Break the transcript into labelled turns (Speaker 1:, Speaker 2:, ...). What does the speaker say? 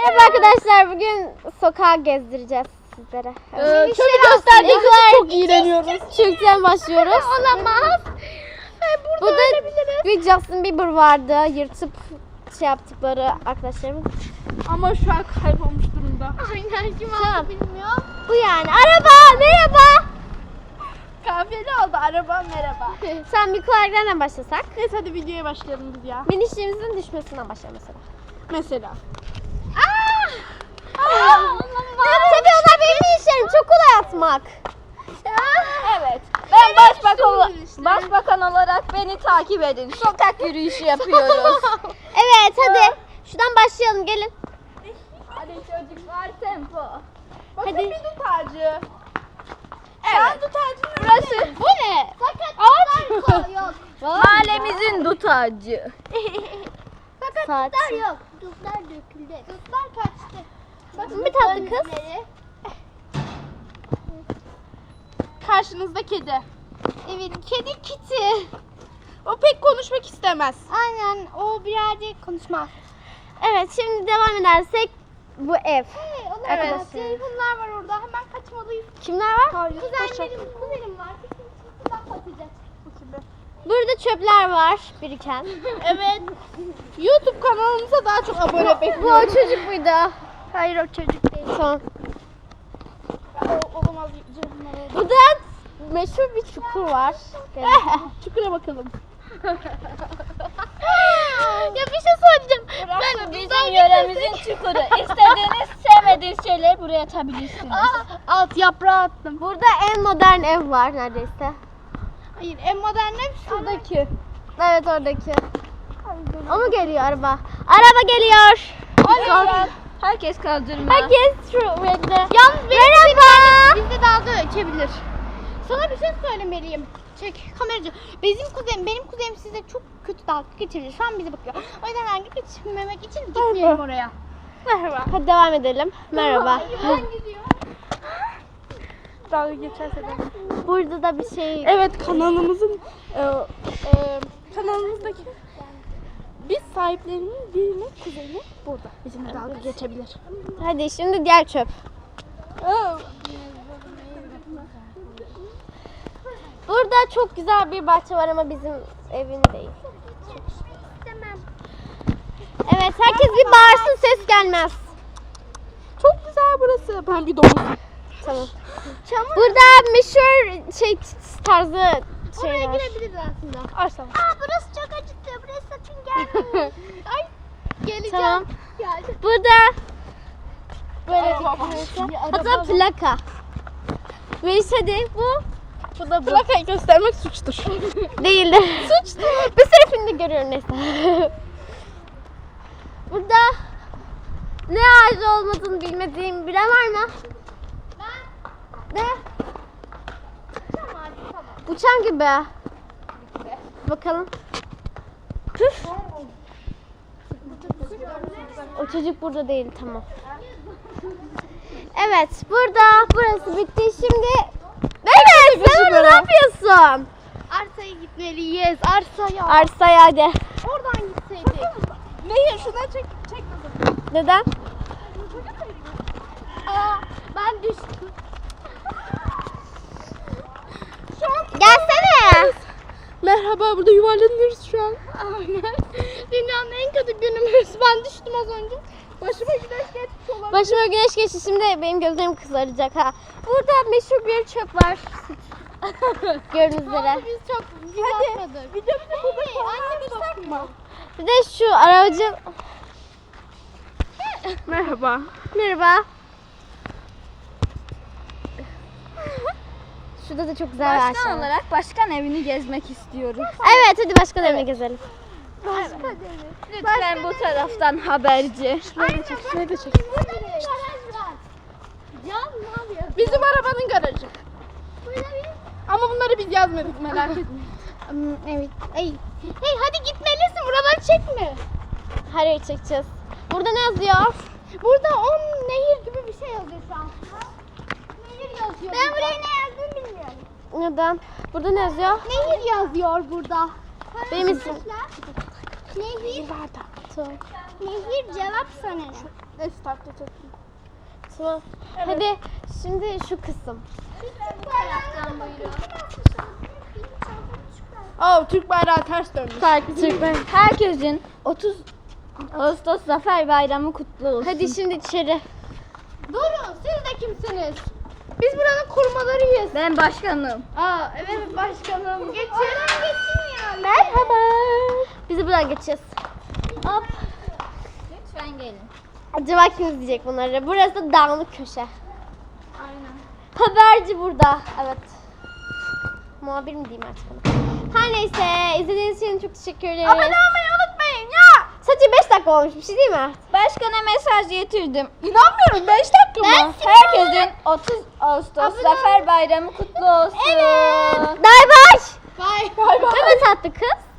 Speaker 1: Merhaba arkadaşlar, bugün sokağa gezdireceğiz sizlere.
Speaker 2: Şöyle gösterdiğimizde çok iğreniyoruz.
Speaker 1: Türk'ten başlıyoruz.
Speaker 2: Olamaz.
Speaker 1: Burada bir Justin Bieber vardı, yırtıp şey yaptıkları arkadaşlarımız.
Speaker 2: Ama şu an kaybolmuş durumda.
Speaker 3: Aynen kim
Speaker 1: Tamam.
Speaker 3: aldı bilmiyorum.
Speaker 1: Bu yani. Araba, merhaba.
Speaker 2: Kafiyeli oldu araba merhaba.
Speaker 1: Sen bir kuarlardan başlasak.
Speaker 2: Neyse hadi videoya başlayalım biz ya.
Speaker 1: Minişlerimizin düşmesinden başlayalım mesela.
Speaker 2: Mesela.
Speaker 1: Tabii onlar benim minişlerim, çok kolay atmak.
Speaker 4: Evet. Ben başbakan olarak beni takip edin. Sokak yürüyüşü yapıyoruz.
Speaker 1: Evet, hadi. Şuradan başlayalım, gelin.
Speaker 4: Hadi çocuklar tempo.
Speaker 2: Bakın
Speaker 1: Hadi.
Speaker 2: bir dut ağacı.
Speaker 4: Evet.
Speaker 2: Dut ağacının
Speaker 4: Burası
Speaker 1: Bu ne?
Speaker 3: Fakat yok.
Speaker 4: mahallemizin dut ağacı.
Speaker 3: Fakat
Speaker 1: Saat.
Speaker 3: dutlar yok. Dutlar döküldü. Dutlar kaçtı. Bakın
Speaker 1: Bir tatlı kız.
Speaker 3: önleri.
Speaker 2: karşınızda kedi.
Speaker 3: Evet, kedi Kitty.
Speaker 2: O pek konuşmak istemez.
Speaker 3: Aynen, o birazcık konuşmaz.
Speaker 1: Evet, şimdi devam edersek bu ev.
Speaker 3: Evet.
Speaker 1: Arkadaşlar.
Speaker 3: Telefonlar var orada. Hemen kaçmalıyız.
Speaker 1: Kimler var?
Speaker 3: Kuzenim var. Kuzenim patlayacak.
Speaker 1: Burada çöpler var biriken.
Speaker 2: Evet. YouTube kanalımıza daha çok abone
Speaker 1: Bu o
Speaker 2: bekliyoruz.
Speaker 1: çocuk muydu?
Speaker 3: Hayır, o çocuk değil.
Speaker 1: Tamam.
Speaker 2: Olamaz.
Speaker 1: Burada meşhur bir çukur var.
Speaker 2: Çukura bakalım.
Speaker 3: Ya bir şey söyleyeceğim.
Speaker 4: Burası bizim yöremizin çukuru. İstediğiniz, sevmediğiniz şeyleri buraya atabilirsiniz.
Speaker 3: Alt yaprağı attım.
Speaker 1: Burada en modern ev var neredeyse.
Speaker 3: Hayır, en modern ev şuradaki.
Speaker 1: Evet, oradaki. O mu geliyor araba? Araba geliyor.
Speaker 4: Herkes kaldırma.
Speaker 1: Herkes şu renkte.
Speaker 3: Yalnız
Speaker 1: Merhaba.
Speaker 3: bizde dalga ölçebilir. Sana bir şey söylemeliyim. Çek kameracı. Benim kuzenim size çok kötü dalga geçirir. Şu an bize bakıyor. O yüzden dalga geçirmemek için gitmeyelim oraya.
Speaker 2: Merhaba.
Speaker 1: Hadi devam edelim. Merhaba.
Speaker 3: Ben gidiyorum.
Speaker 2: Dalga geçerse de.
Speaker 1: Burada da bir şey.
Speaker 2: Evet kanalımızın kanalımızdaki biz sahiplerinin birinin kuzeni burada. Bizimle dalga geçebilir.
Speaker 1: Hadi şimdi diğer çöp. Burada çok güzel bir bahçe var ama bizim evin değil.
Speaker 3: İstemem.
Speaker 1: Evet, herkes bir bağırsın, ses gelmez.
Speaker 2: Çok güzel burası. Ben bir domuz.
Speaker 1: Tamam. Burada meşhur şey tarzı
Speaker 3: Oraya
Speaker 1: şey var.
Speaker 3: girebiliriz aslında.
Speaker 2: Arslan.
Speaker 3: Burası çok acıttı. Burası sakın gelme. Ay geleceğim.
Speaker 1: Tamam.
Speaker 3: Geldim.
Speaker 1: Burada böyle
Speaker 2: Araba var.
Speaker 1: hatta plaka. Ve hadi bu da bu.
Speaker 2: Plakayı göstermek suçtur.
Speaker 1: Değildir. Suçtu. Bir sürü filmde görüyorum neyse. Burada ne ağacı olmadığını bilmediğim bilen var mı? Ne? Uçan gibi. Bakalım. Püf. O çocuk burada değil, tamam. Evet, burası bitti. Şimdi evet, sen orada ne yapıyorsun?
Speaker 3: Arsaya gitmeliyiz. Arsaya.
Speaker 1: Arsaya hadi.
Speaker 3: Oradan gitseydik.
Speaker 2: Nehir şuna çek kızım.
Speaker 1: Neden?
Speaker 3: Aa, ben düştüm.
Speaker 1: Gelsene.
Speaker 2: Merhaba burada yuvarlanıyoruz şu an.
Speaker 3: Aynen. Dünyanın en kötü günümüz. Ben düştüm az önce.
Speaker 2: Başıma güneş geçmiş olabilir.
Speaker 1: Başıma güneş geçti, şimdi benim gözlerim kızaracak ha. Burada meşhur bir çöp var. Gördüğünüz üzere.
Speaker 3: Biz çok atmadık.
Speaker 2: Videomuzu burada
Speaker 3: Hey,
Speaker 2: sonlandırsak mı?
Speaker 1: Bir de şu aracı.
Speaker 2: Merhaba.
Speaker 1: Merhaba. Şurada da çok güzel bir ağaç
Speaker 4: Başkan
Speaker 1: var.
Speaker 4: olarak başkan evini gezmek istiyoruz.
Speaker 1: Evet, hadi başka evine gezelim.
Speaker 4: Lütfen bu taraftan haberci.
Speaker 2: Şurayı da çek.
Speaker 3: Can ne yapıyor?
Speaker 2: Bizim arabanın garajı.
Speaker 3: Burada bir...
Speaker 2: Ama bunları biz yazmadık merak etmeyin.
Speaker 3: Evet. Hey hadi gitmelisin. Buraları çekme.
Speaker 1: Hayır, çekeceğiz. Burada ne yazıyor?
Speaker 3: Burada 10 nehir gibi bir şey yazıyor şu an. Nehir yazıyor. Ben buraya ne yazdığını bilmiyorum.
Speaker 1: Neden? Burada ne yazıyor?
Speaker 3: Nehir yazıyor burada.
Speaker 1: Benim isim.
Speaker 3: Nehir.
Speaker 2: Var da.
Speaker 1: Tamam.
Speaker 3: Nehir cevap sana ne?
Speaker 2: Neyse taklit et.
Speaker 1: Tamam. Hadi şimdi şu kısım.
Speaker 2: Aa, Türk bayrağı ters dönmüş.
Speaker 4: Herkesin 30 Ağustos Zafer Bayramı kutlu olsun.
Speaker 1: Hadi şimdi içeri.
Speaker 3: Durun, siz de kimsiniz?
Speaker 1: Biz buranın korumalarıyız.
Speaker 4: Ben başkanım.
Speaker 3: Aa, evet başkanım. Geçin ya.
Speaker 1: Merhaba. Biz de buradan geçeceğiz. Hop.
Speaker 4: Lütfen gelin.
Speaker 1: Acaba kim izleyecek bunları? Burası da dağınık köşe. Aynen. Haberci burada. Evet. Muhabir mi diyeyim artık ona? Her neyse. İzlediğiniz için çok teşekkür ederiz.
Speaker 2: Abone olmayı unutmayın ya.
Speaker 1: Sadece 5 dakika olmuş bir şey değil mi?
Speaker 4: Başkana mesaj getirdim.
Speaker 2: İnanmıyorum 5 dakika mı?
Speaker 4: Herkesin 30 Ağustos Zafer Bayramı kutlu olsun.
Speaker 1: Bay bay.
Speaker 3: Bye.
Speaker 1: Ne tatlı kız.